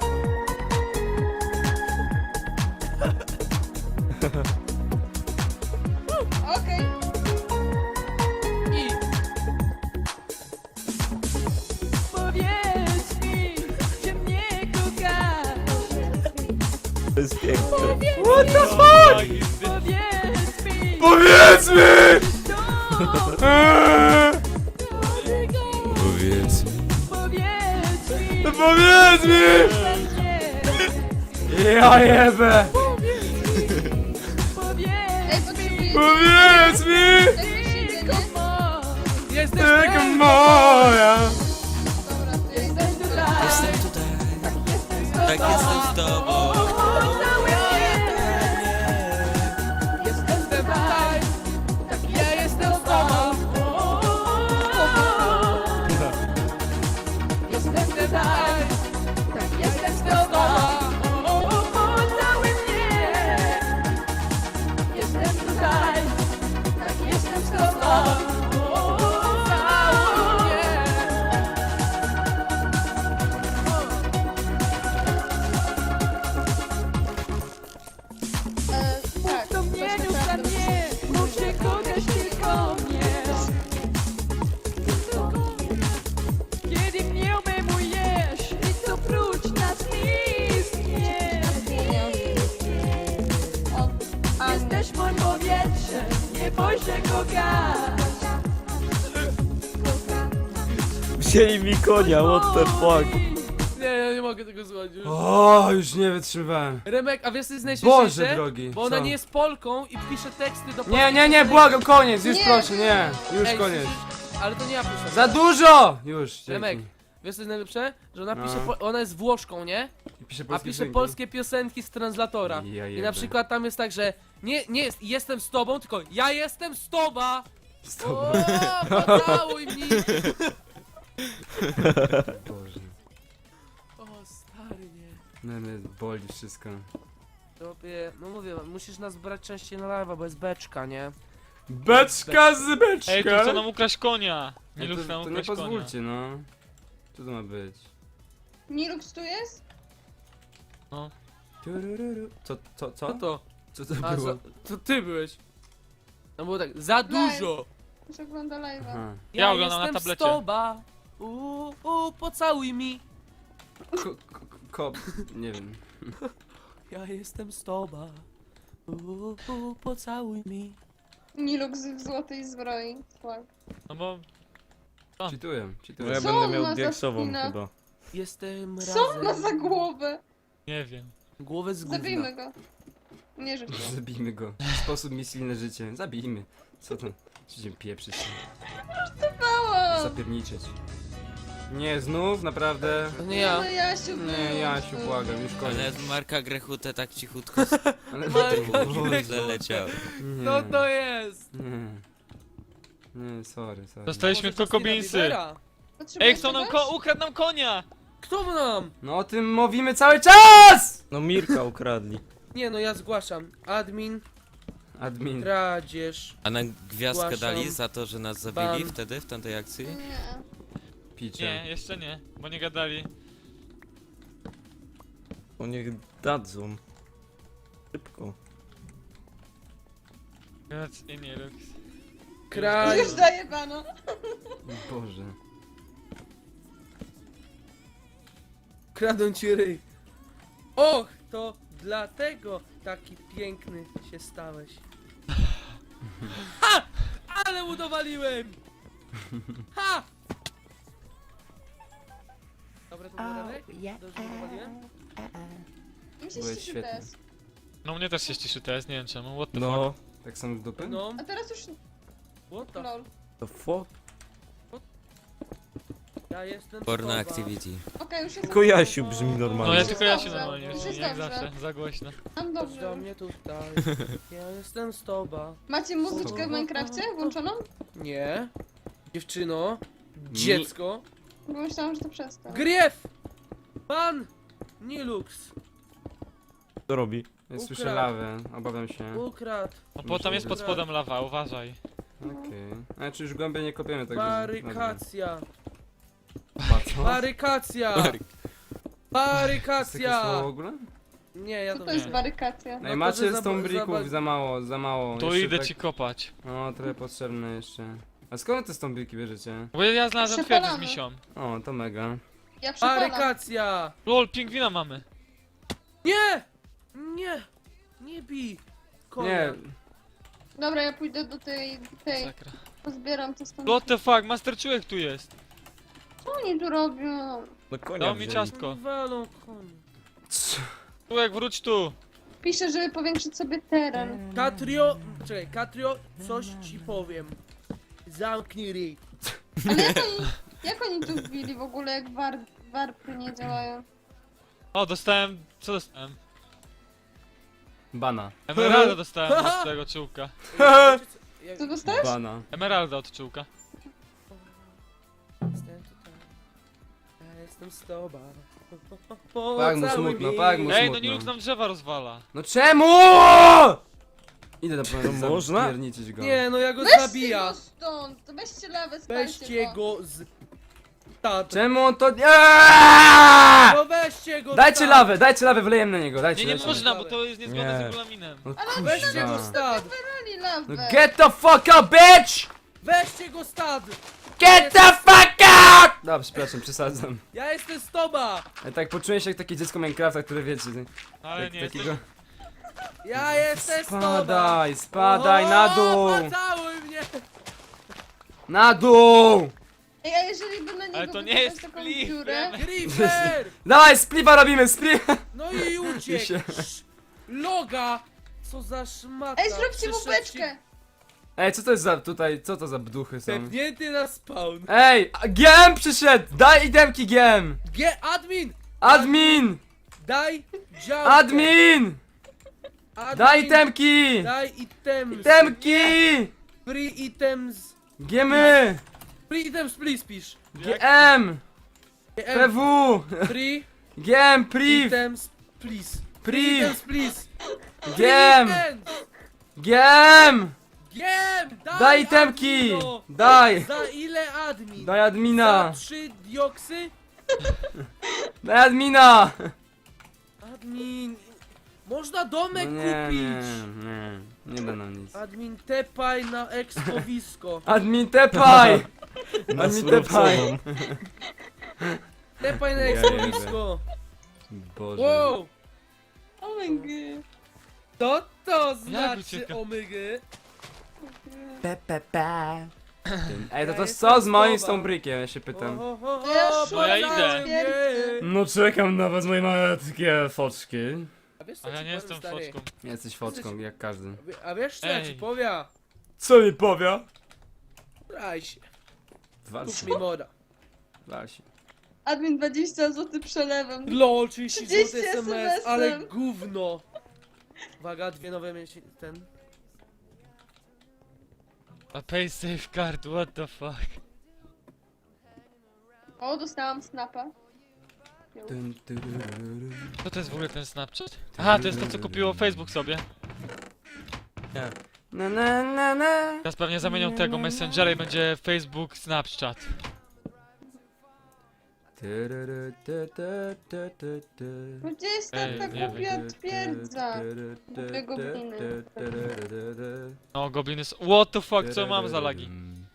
[SPEAKER 3] Okej.
[SPEAKER 2] I... Powiedz mi, czy mnie kochasz?
[SPEAKER 6] To jest piękne.
[SPEAKER 4] What the fuck?
[SPEAKER 2] Powiedz mi,
[SPEAKER 4] Powiedz mi! Eee,
[SPEAKER 5] Powiedz mi.
[SPEAKER 2] powiedz mi,
[SPEAKER 4] Powiedz mi! Ja jebę!
[SPEAKER 3] Ej, potrzebujecie...
[SPEAKER 4] Powiedz mi!
[SPEAKER 3] Jakieś jedzenie?
[SPEAKER 2] Jesteś
[SPEAKER 4] Taka
[SPEAKER 2] ten,
[SPEAKER 4] moja!
[SPEAKER 3] Dobra, to ja jestem tutaj.
[SPEAKER 5] Jestem tutaj. Tak, jestem z tobą.
[SPEAKER 2] Jestem tutaj, ja jestem z tobą. Jestem tutaj, jestem z tobą. Cały mnie. Jestem tutaj, tak jestem z tobą. Cały mnie.
[SPEAKER 3] E, tak,
[SPEAKER 9] To mnie
[SPEAKER 3] coś
[SPEAKER 9] już na
[SPEAKER 3] naprawdę
[SPEAKER 9] mnie, mów, że kochasz tylko mnie. Kiedy mnie obejmujesz i co prócz nas nic nie.
[SPEAKER 3] O, a,
[SPEAKER 9] Jesteś moim powietrzem, nie bój się kochać.
[SPEAKER 6] Wzięli mi konia, what the fuck.
[SPEAKER 2] Nie, ja nie mogę tego słuchać już.
[SPEAKER 4] O, już nie wytrzymywałem.
[SPEAKER 2] Remek, a wiesz co jest najśmieszniejsze?
[SPEAKER 4] Boże drogi,
[SPEAKER 2] Bo ona
[SPEAKER 4] co?
[SPEAKER 2] nie jest Polką i pisze teksty do
[SPEAKER 4] Nie, nie, nie, błagam, koniec, już
[SPEAKER 3] Nie.
[SPEAKER 4] proszę, nie. Już
[SPEAKER 2] Ej,
[SPEAKER 4] koniec.
[SPEAKER 2] słyszysz? Ale to nie ja piszę.
[SPEAKER 4] Za dużo! Już, dzięki.
[SPEAKER 2] Remek, wiesz co jest najlepsze? Że ona pisze,
[SPEAKER 4] No.
[SPEAKER 2] po, ona jest Włoszką, nie?
[SPEAKER 4] I piszę
[SPEAKER 2] A
[SPEAKER 4] polskie
[SPEAKER 2] pisze
[SPEAKER 4] piosenki.
[SPEAKER 2] polskie piosenki z translatora.
[SPEAKER 4] Ja
[SPEAKER 2] I
[SPEAKER 4] jebę.
[SPEAKER 2] na przykład tam jest tak, że nie, nie jest jestem z tobą, tylko ja jestem z tobą!
[SPEAKER 4] Z tobą.
[SPEAKER 2] O, pocałuj mnie!
[SPEAKER 4] Boże.
[SPEAKER 2] O, stary, nie.
[SPEAKER 4] No, mnie boli wszystko.
[SPEAKER 2] Tobie, no mówię, musisz nas brać częściej na live'a, bo jest beczka, nie?
[SPEAKER 4] Beczka z beczka!
[SPEAKER 1] Ej, tu chcą nam ukraść konia! Nie
[SPEAKER 4] Ej,
[SPEAKER 1] lub
[SPEAKER 4] to,
[SPEAKER 1] nam
[SPEAKER 4] to nie
[SPEAKER 1] ukraść konia.
[SPEAKER 4] pozwólcie, no. Co to ma być?
[SPEAKER 3] Nilux tu jest?
[SPEAKER 4] Turururu. Co, co,
[SPEAKER 2] Co
[SPEAKER 4] co?
[SPEAKER 2] to?
[SPEAKER 4] Co to
[SPEAKER 2] A,
[SPEAKER 4] było?
[SPEAKER 2] za, to ty byłeś. No było tak, za dużo.
[SPEAKER 3] Już ogląda live'a.
[SPEAKER 4] Aha.
[SPEAKER 1] Ja oglądam na
[SPEAKER 2] jestem
[SPEAKER 1] tablecie.
[SPEAKER 2] stoba. Uuu, uu, pocałuj mi.
[SPEAKER 4] Ko, ko, ko, nie wiem.
[SPEAKER 2] Ja jestem stoba. Uuu, uu, pocałuj mi.
[SPEAKER 3] Nilux w złotej zbroi. Tak.
[SPEAKER 1] No bo... A.
[SPEAKER 4] Cheatuję,
[SPEAKER 6] Bo
[SPEAKER 4] cheatuję.
[SPEAKER 6] ja
[SPEAKER 3] Co
[SPEAKER 6] będę
[SPEAKER 3] on ma
[SPEAKER 6] miał
[SPEAKER 3] za
[SPEAKER 6] diaksową
[SPEAKER 3] spinę?
[SPEAKER 6] chyba.
[SPEAKER 2] Jestem
[SPEAKER 3] Co on ma
[SPEAKER 2] razem.
[SPEAKER 3] za głowę?
[SPEAKER 1] Nie wiem.
[SPEAKER 2] Głowę z gówna.
[SPEAKER 3] Zabijmy go. Nie życzę.
[SPEAKER 4] Zabijmy go. Sposób misji na życie. Zabijmy. Co to? Będziemy pieprzyć.
[SPEAKER 3] Mała!
[SPEAKER 4] Zapierniczyć. Nie, znów? Naprawdę?
[SPEAKER 2] To nie ja.
[SPEAKER 3] No Jasiu,
[SPEAKER 4] Nie, Jasiu, błagam, już
[SPEAKER 5] Ale
[SPEAKER 4] koniec.
[SPEAKER 5] Marka Grechutę tak cichutko
[SPEAKER 4] Ale
[SPEAKER 2] Marka
[SPEAKER 5] źle leciał.
[SPEAKER 4] Nie,
[SPEAKER 2] Co to jest?
[SPEAKER 4] nie. Nie, sorry, sorry.
[SPEAKER 1] Dostaliśmy
[SPEAKER 2] Może
[SPEAKER 1] kokobinsy.
[SPEAKER 2] Justina Biebera?
[SPEAKER 3] Potrzebujesz
[SPEAKER 1] Ej, chcą nam
[SPEAKER 3] czegoś?
[SPEAKER 1] ko ukradł nam konia!
[SPEAKER 2] Kto nam?
[SPEAKER 4] No o tym mówimy cały czas!
[SPEAKER 6] No Mirka ukradli.
[SPEAKER 2] Nie no, ja zgłaszam. Admin,
[SPEAKER 4] Admin.
[SPEAKER 2] kradzież.
[SPEAKER 5] A nam gwiazdkę
[SPEAKER 2] Zgłaszam.
[SPEAKER 5] dali za to, że nas zabili
[SPEAKER 2] Ban.
[SPEAKER 5] wtedy, w tamtej akcji?
[SPEAKER 3] Nie.
[SPEAKER 4] Picie.
[SPEAKER 1] Nie, jeszcze nie, bo nie gadali.
[SPEAKER 6] O niech dadzą. Szybko.
[SPEAKER 1] Grac i nie lux.
[SPEAKER 2] Kraj.
[SPEAKER 3] Już daję bana.
[SPEAKER 4] Boże.
[SPEAKER 2] Kradą ci ryj. Och, to dlatego taki piękny się stałeś. Ha! Ale udowaliłem! Ha! Dobra, to było dalej? Dobrze udowaliłem?
[SPEAKER 3] Mi się
[SPEAKER 4] Byłeś
[SPEAKER 3] ściszy
[SPEAKER 4] świetny.
[SPEAKER 3] teraz.
[SPEAKER 1] No mnie też się ściszy teraz, nie wiem czemu, what the fuck.
[SPEAKER 6] No,
[SPEAKER 4] Tak samo z dupy?
[SPEAKER 2] No,
[SPEAKER 3] A teraz już...
[SPEAKER 2] what the f...
[SPEAKER 3] Lol.
[SPEAKER 6] the fuck?
[SPEAKER 2] Ja jestem
[SPEAKER 5] Porno
[SPEAKER 2] sowa.
[SPEAKER 5] activity.
[SPEAKER 3] Okej, już jest...
[SPEAKER 6] Tylko Jasiu brzmi
[SPEAKER 1] No
[SPEAKER 6] normalnie.
[SPEAKER 1] ja
[SPEAKER 3] Już
[SPEAKER 1] tylko
[SPEAKER 3] jest
[SPEAKER 1] ja się
[SPEAKER 3] dobrze.
[SPEAKER 1] normalnie,
[SPEAKER 3] Już jest
[SPEAKER 1] jak
[SPEAKER 3] dobrze.
[SPEAKER 1] zawsze, za głośno.
[SPEAKER 3] Mam
[SPEAKER 2] Chodź
[SPEAKER 3] dobrze.
[SPEAKER 2] do mnie tutaj. Ja jestem z tobą.
[SPEAKER 3] Macie muzyczkę w Minecrafcie włączoną?
[SPEAKER 2] Nie. Dziewczyno. Dziecko.
[SPEAKER 3] Bo myślałam, że to przez to.
[SPEAKER 2] Griew! Pan! Nilux.
[SPEAKER 6] Co robi?
[SPEAKER 4] Ja słyszę
[SPEAKER 2] Ukradł.
[SPEAKER 4] lawę, obawiam się.
[SPEAKER 2] Ukradł.
[SPEAKER 1] No bo tam jest pod spodem lawa, uważaj.
[SPEAKER 4] Okej. Znaczy już głębiej nie kopiemy, tak
[SPEAKER 2] Barykacja.
[SPEAKER 4] Barykacja.
[SPEAKER 2] Barykacja.
[SPEAKER 4] Jest takie
[SPEAKER 2] Barykacja.
[SPEAKER 4] słowo w ogóle?
[SPEAKER 2] Nie, ja
[SPEAKER 3] Co
[SPEAKER 2] to
[SPEAKER 3] to jest
[SPEAKER 2] wiem.
[SPEAKER 3] barykacja?
[SPEAKER 2] No
[SPEAKER 4] Ej,
[SPEAKER 2] to,
[SPEAKER 4] macie
[SPEAKER 2] że
[SPEAKER 4] z tą
[SPEAKER 2] zaba-
[SPEAKER 4] brików
[SPEAKER 2] zaba-
[SPEAKER 4] za mało, za mało.
[SPEAKER 1] To
[SPEAKER 4] Jeszcze
[SPEAKER 1] idę
[SPEAKER 4] tak-
[SPEAKER 1] ci kopać.
[SPEAKER 4] No, trochę potrzebne jeszcze. A skąd te stąbriki bierzecie?
[SPEAKER 1] Bo ja znalazłem kwiaty z
[SPEAKER 3] Przepalamy.
[SPEAKER 1] misią.
[SPEAKER 4] O, to mega.
[SPEAKER 3] Ja przepalam.
[SPEAKER 2] Barykacja.
[SPEAKER 1] Lol, pingwina mamy.
[SPEAKER 2] Nie! Nie! Nie bij! Konia.
[SPEAKER 4] Nie,
[SPEAKER 3] Dobra, ja pójdę do tej... tej...
[SPEAKER 1] Sakra.
[SPEAKER 3] Pozbieram to stąd.
[SPEAKER 1] What the fuck, Master Czujek tu jest.
[SPEAKER 3] Co oni tu robią?
[SPEAKER 6] No konia
[SPEAKER 1] Dał mi
[SPEAKER 6] wzięli.
[SPEAKER 1] ciastko.
[SPEAKER 2] Walą konia.
[SPEAKER 1] Czujek, wróć tu.
[SPEAKER 3] Piszę, żeby powiększyć sobie teren.
[SPEAKER 2] Katrio... Czekaj, Katrio, coś ci powiem. Zamknij ryj.
[SPEAKER 3] Ale jak oni... Jak oni tu wbili w ogóle, jak war... warpy nie działają?
[SPEAKER 1] O, dostałem... co dostałem?
[SPEAKER 4] bana.
[SPEAKER 1] Emeralda dostałem od tego czułka.
[SPEAKER 2] Jak...
[SPEAKER 3] Co dostałeś?
[SPEAKER 4] Bana.
[SPEAKER 1] Emeralda od czułka.
[SPEAKER 2] Jestem tutaj. Ja jestem z tobą.
[SPEAKER 4] Tak mu smutno, tak mu
[SPEAKER 1] Ej, no
[SPEAKER 4] smutno.
[SPEAKER 1] Nilux nam drzewa rozwala.
[SPEAKER 4] No czemu?! Idę na
[SPEAKER 6] To
[SPEAKER 4] pewno
[SPEAKER 6] można?
[SPEAKER 4] zapierniczyć go.
[SPEAKER 2] Nie, no ja go
[SPEAKER 3] Weźcie
[SPEAKER 2] zabija.
[SPEAKER 3] go stąd! To weźcie lawę, spalcie
[SPEAKER 2] Weźcie
[SPEAKER 3] go.
[SPEAKER 2] go z... Stad.
[SPEAKER 4] Czemu on to... Aaaa!
[SPEAKER 2] No weźcie go
[SPEAKER 4] Dajcie
[SPEAKER 2] stad.
[SPEAKER 4] lawę, dajcie lawę, wylejemy na niego, dajcie,
[SPEAKER 1] Nie, nie
[SPEAKER 4] dajcie.
[SPEAKER 1] można, bo to jest niezgodne
[SPEAKER 6] Nie.
[SPEAKER 1] z regulaminem.
[SPEAKER 4] No
[SPEAKER 2] Weźcie go
[SPEAKER 4] kurwa.
[SPEAKER 2] stad.
[SPEAKER 3] Brali lawę.
[SPEAKER 4] No get the fuck up, bitch!
[SPEAKER 2] Weźcie go stad.
[SPEAKER 4] Get the fuck up! Dobra, przepraszam, przesadzam.
[SPEAKER 2] Ja jestem z tobą.
[SPEAKER 4] Ja tak poczułem się jak takie dziecko Minecrafta, które wiecie,
[SPEAKER 1] Ale
[SPEAKER 4] tak,
[SPEAKER 1] nie,
[SPEAKER 4] takiego...
[SPEAKER 1] jesteś...
[SPEAKER 2] Ja jestem z tobą.
[SPEAKER 4] Spadaj, spadaj, na dół!
[SPEAKER 2] Pocałuj mnie.
[SPEAKER 4] Na dół!
[SPEAKER 3] Ej, a jeżeli by na niego
[SPEAKER 1] Ale to nie
[SPEAKER 3] wykopać
[SPEAKER 1] jest
[SPEAKER 3] taką
[SPEAKER 1] klif,
[SPEAKER 3] dziurę...
[SPEAKER 1] wiemy.
[SPEAKER 2] Creeper.
[SPEAKER 4] Dawaj, splifa robimy, splifa!
[SPEAKER 2] No i
[SPEAKER 4] I
[SPEAKER 2] uciekł.
[SPEAKER 4] się-
[SPEAKER 2] Sz- Loga. Co za szmata.
[SPEAKER 3] Ej, zróbcie mu
[SPEAKER 2] Przyszedł ci
[SPEAKER 3] beczkę!
[SPEAKER 4] Ej, co to jest za tutaj, co to za bduchy są?
[SPEAKER 2] Tepnięty na spawn.
[SPEAKER 4] Ej, a- G M przyszedł! Daj idemki G M!
[SPEAKER 2] G admin.
[SPEAKER 4] Admin!
[SPEAKER 2] Daj działkę.
[SPEAKER 4] Admin!
[SPEAKER 2] Admin.
[SPEAKER 4] Daj itemki!
[SPEAKER 2] Daj items.
[SPEAKER 4] Itemki!
[SPEAKER 2] Free items.
[SPEAKER 4] Giemy!
[SPEAKER 2] Free items please pisz.
[SPEAKER 4] G M!
[SPEAKER 2] G
[SPEAKER 4] P
[SPEAKER 2] M.
[SPEAKER 4] W!
[SPEAKER 2] Free
[SPEAKER 4] G M, priv!
[SPEAKER 2] items please. Free
[SPEAKER 4] Priv!
[SPEAKER 2] items please.
[SPEAKER 4] G M!
[SPEAKER 2] Items.
[SPEAKER 4] G M!
[SPEAKER 2] Wiem! Daj,
[SPEAKER 4] Daj itemki!
[SPEAKER 2] admino!
[SPEAKER 4] Daj!
[SPEAKER 2] Za ile admin?
[SPEAKER 4] Daj admina!
[SPEAKER 2] Za trzy dioksy?
[SPEAKER 4] Daj admina!
[SPEAKER 2] Admin... Można
[SPEAKER 4] No
[SPEAKER 2] domek
[SPEAKER 4] nie,
[SPEAKER 2] kupić!
[SPEAKER 4] nie, nie, nie da nam nic.
[SPEAKER 2] Admin tepaj na ekspowisko.
[SPEAKER 4] Admin tepaj!
[SPEAKER 6] Na
[SPEAKER 4] Admin tepaj!
[SPEAKER 6] surowcową.
[SPEAKER 2] Tepaj na
[SPEAKER 4] Ja
[SPEAKER 2] ekspowisko.
[SPEAKER 4] Boże.
[SPEAKER 2] Wow!
[SPEAKER 3] Omygy.
[SPEAKER 2] Co to
[SPEAKER 1] Jak
[SPEAKER 2] znaczy
[SPEAKER 1] ucieka?
[SPEAKER 2] omygy?
[SPEAKER 4] Pe, pe, pe. Ej, to
[SPEAKER 2] Ja
[SPEAKER 4] to
[SPEAKER 2] jestem
[SPEAKER 4] co z moim
[SPEAKER 2] Kuba.
[SPEAKER 4] Stone ja się pytam.
[SPEAKER 2] O, o, o,
[SPEAKER 3] Ja
[SPEAKER 2] o,
[SPEAKER 3] szukam
[SPEAKER 1] ja idę.
[SPEAKER 2] poznałem
[SPEAKER 3] twierdzy.
[SPEAKER 2] je.
[SPEAKER 4] No czekam na was, moje malutkie foczki.
[SPEAKER 2] A wiesz co
[SPEAKER 1] A ja
[SPEAKER 2] ci
[SPEAKER 1] nie
[SPEAKER 2] powiem,
[SPEAKER 1] jestem
[SPEAKER 2] stary?
[SPEAKER 1] foczką.
[SPEAKER 4] Jesteś foczką, jak każdy.
[SPEAKER 2] A wiesz co ja ci
[SPEAKER 1] Ej.
[SPEAKER 2] powiem?
[SPEAKER 4] Co mi powie?
[SPEAKER 2] Braj się,
[SPEAKER 4] Wal
[SPEAKER 2] kup
[SPEAKER 4] się,
[SPEAKER 2] mi moda.
[SPEAKER 4] wal się.
[SPEAKER 3] Admin dwadzieścia złotych przelewem.
[SPEAKER 2] LOL, trzydzieści złotych
[SPEAKER 3] trzydzieści
[SPEAKER 2] S M S,
[SPEAKER 3] SMS-em.
[SPEAKER 2] ale gówno. Uwaga, dwie nowe miesiące, ten.
[SPEAKER 1] A pay safe card, what the fuck?
[SPEAKER 3] O, dostałam snapa.
[SPEAKER 4] Dun, du, du, du, du.
[SPEAKER 1] Co to jest w ogóle ten Snapchat? Aha, to jest to co kupiło Facebook sobie.
[SPEAKER 4] Na na na na.
[SPEAKER 1] Teraz pewnie zamienią tego Messengera i będzie Facebook Snapchat.
[SPEAKER 4] Tu, du, du, tu, tu, tu, tu, tu.
[SPEAKER 3] Gdzie jest
[SPEAKER 1] Ej,
[SPEAKER 3] ta
[SPEAKER 1] nie
[SPEAKER 3] głupia twierdza?
[SPEAKER 4] Tu,
[SPEAKER 3] Głupie gobliny.
[SPEAKER 4] tu, tu, tu, tu, tu.
[SPEAKER 1] No, gobliny s- what the fuck, co mam za lagi?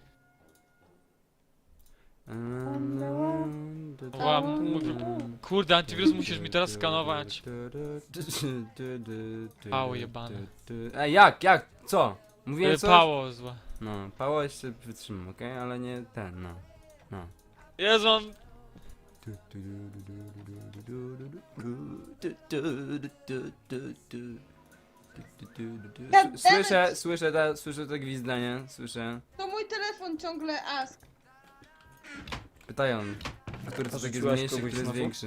[SPEAKER 1] Ła, mówię, kurde, antywirus musisz mi teraz skanować. Pało jebane.
[SPEAKER 4] Ej, jak, jak, co? Mówiłem
[SPEAKER 1] Y,
[SPEAKER 4] coś?
[SPEAKER 1] Pało zła.
[SPEAKER 4] No, pało jeszcze wytrzymam, okej? Ale nie ten, no. No.
[SPEAKER 1] Jezu, on...
[SPEAKER 3] Goddammit.
[SPEAKER 4] Słyszę, słyszę, ta, słyszę to gwizdanie, słyszę.
[SPEAKER 3] To mój telefon ciągle ask.
[SPEAKER 4] Pytają, który to taki jest
[SPEAKER 6] Rzuciłaś
[SPEAKER 4] mniejszy,
[SPEAKER 6] kogoś
[SPEAKER 4] który jest
[SPEAKER 6] znowu?
[SPEAKER 4] większy.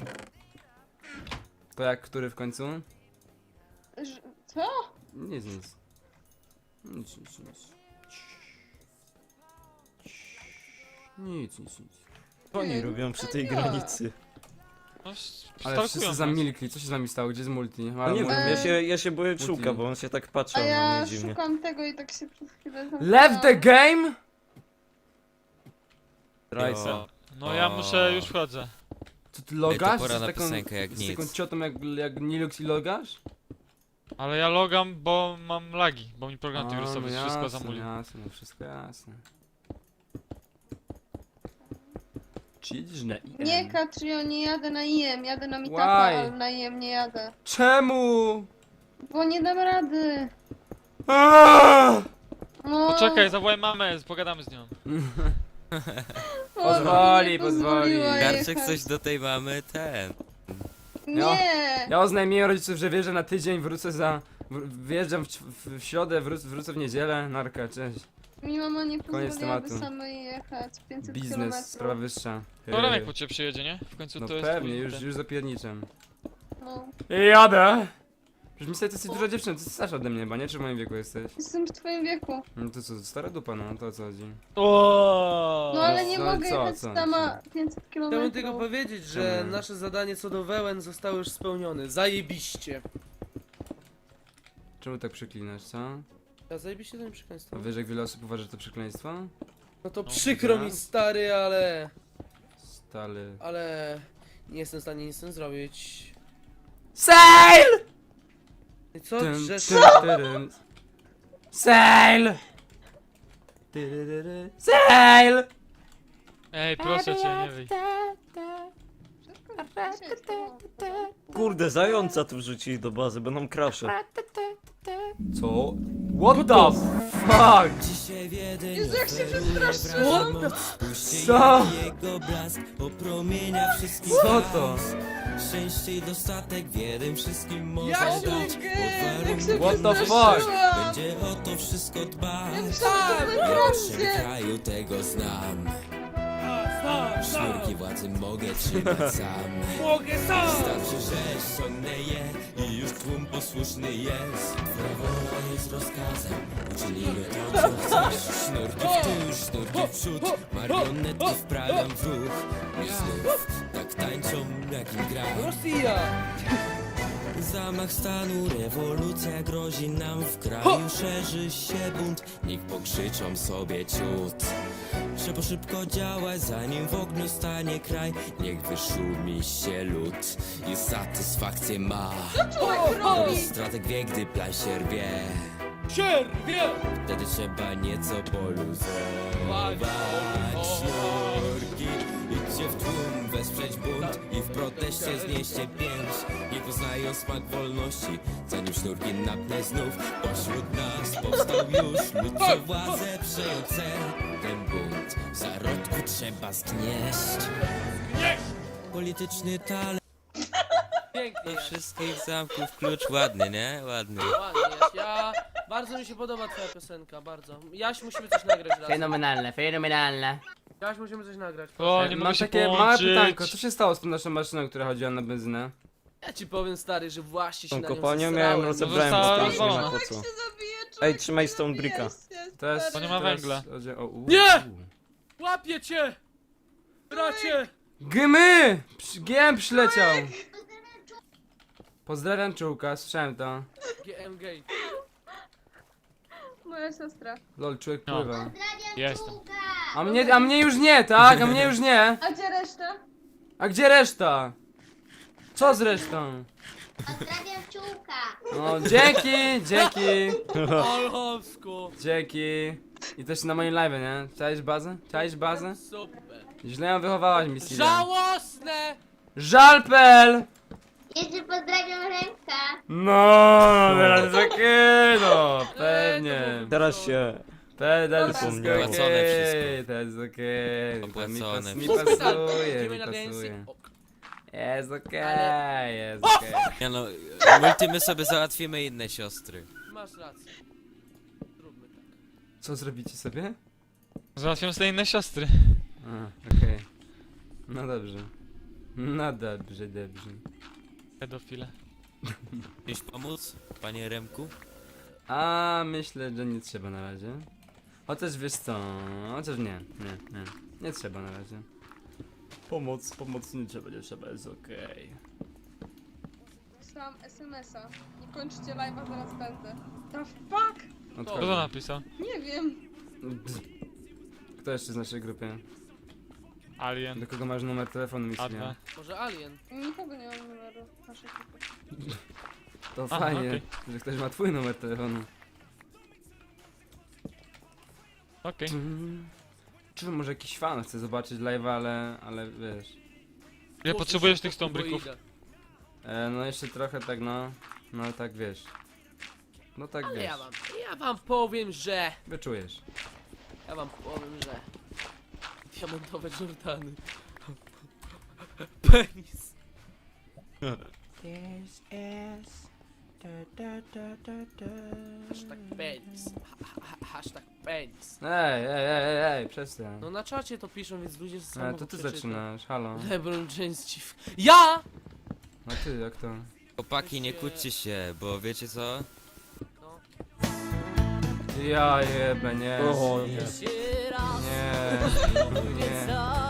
[SPEAKER 4] To jak, który w końcu?
[SPEAKER 3] Ż- Co?
[SPEAKER 4] Nic, nic. Nic, nic, nic. Nic, nic, nic.
[SPEAKER 6] Co oni robią przy tej
[SPEAKER 3] Ja.
[SPEAKER 6] granicy?
[SPEAKER 1] No, s-
[SPEAKER 4] Ale
[SPEAKER 1] stalkują
[SPEAKER 4] wszyscy
[SPEAKER 1] nas.
[SPEAKER 4] zamilkli, co się z nami stało? Gdzie jest multi?
[SPEAKER 6] No
[SPEAKER 4] Halo,
[SPEAKER 6] nie
[SPEAKER 4] multi.
[SPEAKER 6] wiem, ja się, ja się boję
[SPEAKER 4] Multi.
[SPEAKER 6] czułka, bo on się tak patrzy
[SPEAKER 3] A
[SPEAKER 6] na
[SPEAKER 3] ja
[SPEAKER 6] mnie dziwnie.
[SPEAKER 3] szukam tego i tak się przez chwilę
[SPEAKER 4] Left the game?
[SPEAKER 6] Rajsa.
[SPEAKER 1] No ja muszę, już wchodzę.
[SPEAKER 4] Co ty logasz?
[SPEAKER 5] Ej, to pora
[SPEAKER 4] z
[SPEAKER 5] na
[SPEAKER 4] taką,
[SPEAKER 5] piosenkę, jak
[SPEAKER 4] z
[SPEAKER 5] nic.
[SPEAKER 4] taką ciotą jak, jak Nilux i logasz?
[SPEAKER 1] Ale ja logam, bo mam lagi, bo mi program
[SPEAKER 4] A,
[SPEAKER 1] antywirusowy
[SPEAKER 4] no
[SPEAKER 1] wszystko
[SPEAKER 4] jasne,
[SPEAKER 1] zamulił.
[SPEAKER 4] jasne, no wszystko jasne. Czy jedziesz na I M?
[SPEAKER 3] Nie, Katrio, nie jadę na I M, jadę na Meetupa,
[SPEAKER 4] Why?
[SPEAKER 3] ale na I M nie jadę.
[SPEAKER 4] Czemu?
[SPEAKER 3] Bo nie dam rady.
[SPEAKER 4] Aaaa!
[SPEAKER 3] No,
[SPEAKER 1] Poczekaj, zawołaj mamę, pogadamy z nią.
[SPEAKER 3] o,
[SPEAKER 4] Pozwoli,
[SPEAKER 3] nie
[SPEAKER 4] pozwoli.
[SPEAKER 3] pozwoliła
[SPEAKER 5] Karczek
[SPEAKER 3] jechać.
[SPEAKER 5] coś do tej mamy, ten.
[SPEAKER 3] Nie!
[SPEAKER 4] Ja oznajmiłem rodziców, że wjeżdżę na tydzień, wrócę za... wr- Wyjeżdżam w, w, w środę, wró wrócę w niedzielę, narka, cześć.
[SPEAKER 3] Mi mama nie
[SPEAKER 4] Koniec
[SPEAKER 3] pozwoliłaby
[SPEAKER 4] tematu.
[SPEAKER 3] samej jechać pięćset
[SPEAKER 4] Biznes,
[SPEAKER 3] kilometrów.
[SPEAKER 4] sprawa wyższa.
[SPEAKER 1] To Remek po ciebie przyjedzie, nie? W końcu
[SPEAKER 4] No
[SPEAKER 1] to jest
[SPEAKER 4] pewnie,
[SPEAKER 1] twój
[SPEAKER 4] już,
[SPEAKER 1] ten-
[SPEAKER 4] już zapierniczam.
[SPEAKER 3] No.
[SPEAKER 4] Jadę! Przecież mi sobie to jesteś duża dziewczyna, ty jesteś starsza ode mnie chyba, nie? Czy w moim wieku jesteś?
[SPEAKER 3] Jestem w twoim wieku.
[SPEAKER 4] No to co, stara dupa, no to o co chodzi?
[SPEAKER 1] O.
[SPEAKER 3] No ale nie
[SPEAKER 4] no
[SPEAKER 3] mogę
[SPEAKER 4] co,
[SPEAKER 3] jechać
[SPEAKER 4] co?
[SPEAKER 3] sama pięćset
[SPEAKER 2] Chciałbym
[SPEAKER 3] kilometrów.
[SPEAKER 2] tylko powiedzieć, że
[SPEAKER 4] Czemu?
[SPEAKER 2] nasze zadanie co do wełen zostało już spełnione. Zajebiście.
[SPEAKER 4] Czemu tak przyklinasz, co?
[SPEAKER 2] Ja zajebiście to nie przekleństwo.
[SPEAKER 4] A wiesz jak wiele osób uważa, że to przekleństwo?
[SPEAKER 2] No to
[SPEAKER 1] No,
[SPEAKER 2] przykro
[SPEAKER 4] tak.
[SPEAKER 2] mi stary, ale...
[SPEAKER 4] Stary...
[SPEAKER 2] Ale... Nie jestem w stanie nic z tym zrobić.
[SPEAKER 4] SAIL!
[SPEAKER 2] I co?
[SPEAKER 4] Dun,
[SPEAKER 2] Grzesz...
[SPEAKER 4] dun, dun. SAIL! Tyryryry. SAIL!
[SPEAKER 1] Ej, proszę cię, nie wyjdź.
[SPEAKER 6] Kurde, zająca tu wrzucili do bazy, będą krasze.
[SPEAKER 4] Co? What the fuck?
[SPEAKER 5] Dzisiaj w jeden
[SPEAKER 3] Jezu, jak się przestraszyłam!
[SPEAKER 4] Co?
[SPEAKER 5] jego blask opromienia wszystkich
[SPEAKER 4] Co to?
[SPEAKER 5] Szczęście i dostatek w jednym wszystkim może
[SPEAKER 3] Ja
[SPEAKER 5] dać.
[SPEAKER 3] się jak się
[SPEAKER 4] What the
[SPEAKER 3] przestraszyłam!
[SPEAKER 5] Będzie o to wszystko dbać.
[SPEAKER 3] Ja myślałam, że to
[SPEAKER 5] W naszym
[SPEAKER 3] będzie.
[SPEAKER 5] kraju tego znam. Sznurki władzy mogę trzymać sam.
[SPEAKER 2] Mogę sam!
[SPEAKER 5] Wystarczy, że ściągnę je i już tłum posłuszny jest. Twoja wola jest rozkazem, uczynimy to co chcesz. Sznurki w tył, sznurki w przód, marionetki wprawiam w ruch. I znów tak tańczą jak im gram.
[SPEAKER 2] Rosja!
[SPEAKER 5] Zamach stanu, rewolucja grozi nam w kraju. Szerzy się bunt, niech pokrzyczą sobie ciut. Trzeba szybko działać, zanim w ogniu stanie kraj. Niech wyszumi się lód i satysfakcję ma.
[SPEAKER 3] Człowiek robi!
[SPEAKER 5] Strateg wie, gdy plan się rwie.
[SPEAKER 2] Sierwie!
[SPEAKER 5] Wtedy trzeba nieco poluzować sznurki. Idźcie w tłum, wesprzeć bunt i w proteście znieście pięć. Nie poznają smak wolności, zanim sznurki napnę znów. Pośród nas powstał już lud, co władzę przejął cel. Ten bunt w zarodku trzeba zgnieść. Polityczny talent
[SPEAKER 2] Pięknie,
[SPEAKER 5] do wszystkich zamków, klucz ładny, nie? Ładny.
[SPEAKER 2] ładnie jest. Ja... Bardzo mi się podoba twoja piosenka, bardzo. Jaś, musimy coś nagrać razem.
[SPEAKER 4] Fenomenalne, fenomenalne.
[SPEAKER 2] Jaś, musimy coś nagrać.
[SPEAKER 1] O,
[SPEAKER 4] E,
[SPEAKER 1] nie
[SPEAKER 4] Mam
[SPEAKER 1] mogę się
[SPEAKER 4] takie małe
[SPEAKER 1] połączyć.
[SPEAKER 4] pytanko, co się stało z tą naszą maszyną, która chodziła na benzynę?
[SPEAKER 2] Ja ci powiem, stary, że właśnie się
[SPEAKER 6] Tą
[SPEAKER 2] na nią
[SPEAKER 6] kopalnią
[SPEAKER 2] zesrałem.
[SPEAKER 6] miałem rozebrałem,
[SPEAKER 1] została
[SPEAKER 6] bo to już nie ma
[SPEAKER 1] rozwalona.
[SPEAKER 6] po
[SPEAKER 3] Jak
[SPEAKER 6] co.
[SPEAKER 3] się zabije, człowiek
[SPEAKER 6] Ej, trzymaj
[SPEAKER 3] nie
[SPEAKER 6] stone
[SPEAKER 3] zabije
[SPEAKER 6] bricka.
[SPEAKER 3] się,
[SPEAKER 4] To jest...
[SPEAKER 1] To nie ma
[SPEAKER 4] teraz
[SPEAKER 1] węgla.
[SPEAKER 4] chodzi o- u-
[SPEAKER 2] Nie!
[SPEAKER 4] u.
[SPEAKER 2] Łapię cię! Bracie!
[SPEAKER 4] Gymy! Psz- G M przyleciał! Pozdrawiam czułka, słyszałem to.
[SPEAKER 2] G M gay.
[SPEAKER 3] Moja siostra.
[SPEAKER 4] Lol, człowiek
[SPEAKER 1] No.
[SPEAKER 4] pływa.
[SPEAKER 1] Jestem.
[SPEAKER 4] A mnie, a mnie już nie, tak? A mnie już nie!
[SPEAKER 3] A gdzie reszta?
[SPEAKER 4] A gdzie reszta? Co z resztą?
[SPEAKER 8] Pozdrawiam czułka.
[SPEAKER 4] No, dzięki, dzięki,
[SPEAKER 2] Olchowsko!
[SPEAKER 4] dzięki. I też na moim live, nie? Czaisz bazę? Czaisz bazę?
[SPEAKER 2] Super.
[SPEAKER 4] Źle ją wychowałaś, Missy.
[SPEAKER 2] Żałosne!
[SPEAKER 4] Żalpel!
[SPEAKER 8] Jeszcze pozdrawiam Remka.
[SPEAKER 4] No, teraz jest okej, no, pewnie.
[SPEAKER 6] Teraz się...
[SPEAKER 4] Teraz jest
[SPEAKER 6] Zapomniałem.
[SPEAKER 4] okej,
[SPEAKER 5] Opłacone wszystko.
[SPEAKER 4] teraz jest okej. To mi,
[SPEAKER 5] Opłacone
[SPEAKER 4] pas, mi
[SPEAKER 5] wszystko.
[SPEAKER 4] pasuje, mi
[SPEAKER 2] Idziemy na dancing.
[SPEAKER 4] pasuje.
[SPEAKER 2] O,
[SPEAKER 4] Jest okej,
[SPEAKER 2] Ale-
[SPEAKER 4] jest okej.
[SPEAKER 5] Nie no, multi my sobie załatwimy inne siostry.
[SPEAKER 2] masz rację. Zróbmy tak.
[SPEAKER 4] Co zrobicie sobie?
[SPEAKER 1] Załatwiam sobie inne siostry.
[SPEAKER 4] A, okej. No dobrze. No dobrze, dobrze.
[SPEAKER 1] Pedofile.
[SPEAKER 5] Chcesz pomóc, panie Remku?
[SPEAKER 4] A myślę, że nie trzeba na razie. Chociaż wiesz co, chociaż nie, nie, nie. Nie trzeba na razie. Pomoc, pomoc nie trzeba, nie trzeba, jest okej.
[SPEAKER 3] Wysłałam es em es a. Nie kończcie live'a, zaraz będę. The fuck?
[SPEAKER 1] Kto to
[SPEAKER 4] Odchodzę.
[SPEAKER 1] napisał?
[SPEAKER 3] Nie wiem.
[SPEAKER 4] Kto jeszcze z naszej grupy?
[SPEAKER 1] Alien.
[SPEAKER 4] Do kogo masz numer telefonu,
[SPEAKER 1] A dwa.
[SPEAKER 4] Missy?
[SPEAKER 2] Może Alien?
[SPEAKER 3] Nikogo nie mam numeru naszej grupy.
[SPEAKER 4] To
[SPEAKER 1] Aha,
[SPEAKER 4] fajnie,
[SPEAKER 1] okej.
[SPEAKER 4] że ktoś ma twój numer telefonu.
[SPEAKER 1] Okej.
[SPEAKER 4] Mm. Czy może jakiś fan chce zobaczyć live'a, ale, ale wiesz.
[SPEAKER 1] Ile potrzebujesz tych stombrików?
[SPEAKER 4] E, no jeszcze trochę tak no, no tak wiesz. No tak
[SPEAKER 2] Ale
[SPEAKER 4] wiesz,
[SPEAKER 2] ja wam, ja wam powiem, że...
[SPEAKER 4] wyczujesz.
[SPEAKER 2] Ja wam powiem, że... Diamentowe Jordany. Penis. Hashtag penis. Ha, ha, ha, hashtag penis.
[SPEAKER 4] Ej, ej, ej, ej, ej, przestań.
[SPEAKER 2] No na czacie to piszą, więc ludzie
[SPEAKER 4] E,
[SPEAKER 2] sami
[SPEAKER 4] to ty zaczynasz, halo.
[SPEAKER 2] LeBron James ci... w- Ja!
[SPEAKER 4] A ty, jak to?
[SPEAKER 5] Chłopaki, nie kłóćcie się, bo wiecie co?
[SPEAKER 2] No.
[SPEAKER 4] Ja jebę, nie.
[SPEAKER 6] O nie.
[SPEAKER 4] Nie. Nie.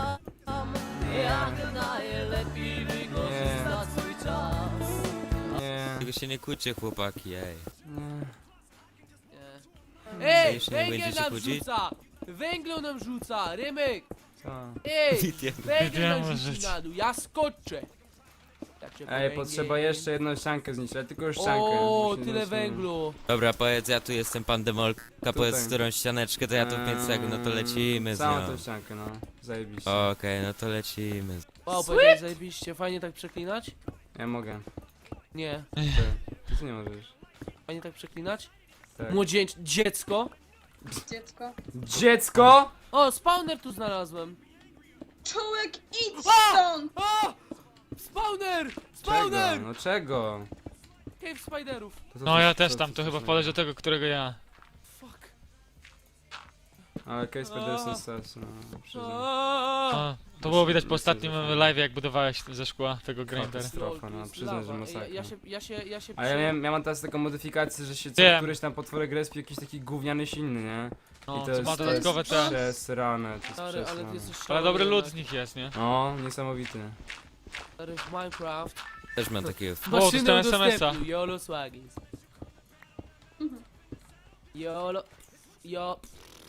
[SPEAKER 4] Nie. Nie.
[SPEAKER 5] Tylko się nie kłóćcie, chłopaki, ej.
[SPEAKER 4] Nie.
[SPEAKER 2] Nie. Ej,
[SPEAKER 5] Już nie
[SPEAKER 2] węgiel
[SPEAKER 5] będziecie
[SPEAKER 2] nam
[SPEAKER 5] chodzić?
[SPEAKER 2] rzuca! Węglu nam rzuca! Rymek!
[SPEAKER 4] Co?
[SPEAKER 2] Ej! Węgiel nam
[SPEAKER 1] Wiedziałem,
[SPEAKER 2] rzuci
[SPEAKER 1] że-
[SPEAKER 2] na dół, ja skoczę! Tak cię
[SPEAKER 4] Ej,
[SPEAKER 2] węgiel.
[SPEAKER 4] potrzeba jeszcze jedną ściankę zniszczyć, ale tylko już ściankę.
[SPEAKER 2] O,
[SPEAKER 4] Musimy
[SPEAKER 2] tyle
[SPEAKER 4] jeszcze-
[SPEAKER 2] węglu!
[SPEAKER 5] Dobra, powiedz, ja tu jestem pan Demolka, powiedz,
[SPEAKER 4] Tutaj.
[SPEAKER 5] którą ścianeczkę, to ja tu w pięć sekund, no to lecimy z
[SPEAKER 4] Całą
[SPEAKER 5] nią.
[SPEAKER 4] tą ściankę, no. Zajebiście.
[SPEAKER 5] Okej, no to lecimy.
[SPEAKER 2] Wow, powiedziałeś zajebiście, fajnie tak przeklinać?
[SPEAKER 4] Ja mogę.
[SPEAKER 2] Nie.
[SPEAKER 4] Ty, ty, ty nie możesz.
[SPEAKER 2] Fajnie tak przeklinać?
[SPEAKER 4] Tak.
[SPEAKER 2] Młodzieńcze... Dziecko?
[SPEAKER 3] Dziecko.
[SPEAKER 4] Dziecko!
[SPEAKER 2] O, spawner tu znalazłem!
[SPEAKER 3] Czołek, idź
[SPEAKER 2] A!
[SPEAKER 3] stąd!
[SPEAKER 2] O! Spawner!
[SPEAKER 4] Czego?
[SPEAKER 2] Spawner!
[SPEAKER 4] No czego?
[SPEAKER 2] Cave spiderów.
[SPEAKER 4] To co
[SPEAKER 1] No
[SPEAKER 4] ty-
[SPEAKER 1] ja
[SPEAKER 4] co
[SPEAKER 1] też
[SPEAKER 4] ty
[SPEAKER 1] tam, to
[SPEAKER 4] chcesz
[SPEAKER 1] chyba
[SPEAKER 4] na-
[SPEAKER 1] poleć do tego, którego ja.
[SPEAKER 2] Fuck.
[SPEAKER 4] Ale Case Spider
[SPEAKER 2] A.
[SPEAKER 4] jest sens, no. przyznam.
[SPEAKER 2] Aaaa!
[SPEAKER 1] A, to było widać po
[SPEAKER 4] Myślę,
[SPEAKER 1] ostatnim
[SPEAKER 4] że-
[SPEAKER 1] live, jak budowałeś ze szkła tego grinder.
[SPEAKER 4] Katastrofa, no, przyznam, że
[SPEAKER 2] Ja,
[SPEAKER 4] masakra.
[SPEAKER 2] ja się, ja się, ja się
[SPEAKER 4] A ja
[SPEAKER 2] przy-
[SPEAKER 4] miałem, ja mam teraz taką modyfikację, że się co
[SPEAKER 1] Wiem.
[SPEAKER 4] któryś tam potworek respi jakiś taki gówniany silny, nie?
[SPEAKER 1] No,
[SPEAKER 4] I
[SPEAKER 1] co ma
[SPEAKER 4] to
[SPEAKER 1] dodatkowe
[SPEAKER 4] jest
[SPEAKER 1] te...
[SPEAKER 4] przesrane, to jest
[SPEAKER 2] Stary, ale ty
[SPEAKER 4] przesrane.
[SPEAKER 2] jesteś
[SPEAKER 1] Ale dobry
[SPEAKER 2] szalony
[SPEAKER 1] lud z
[SPEAKER 2] jednak.
[SPEAKER 1] nich jest, nie?
[SPEAKER 4] O, niesamowity.
[SPEAKER 2] Stary, w Minecraft
[SPEAKER 5] Też mam takiego.
[SPEAKER 1] O,
[SPEAKER 2] Maszynę
[SPEAKER 1] dostałem es em es a.
[SPEAKER 2] udostępnił, YOLO Swaggies. YOLO... Jo...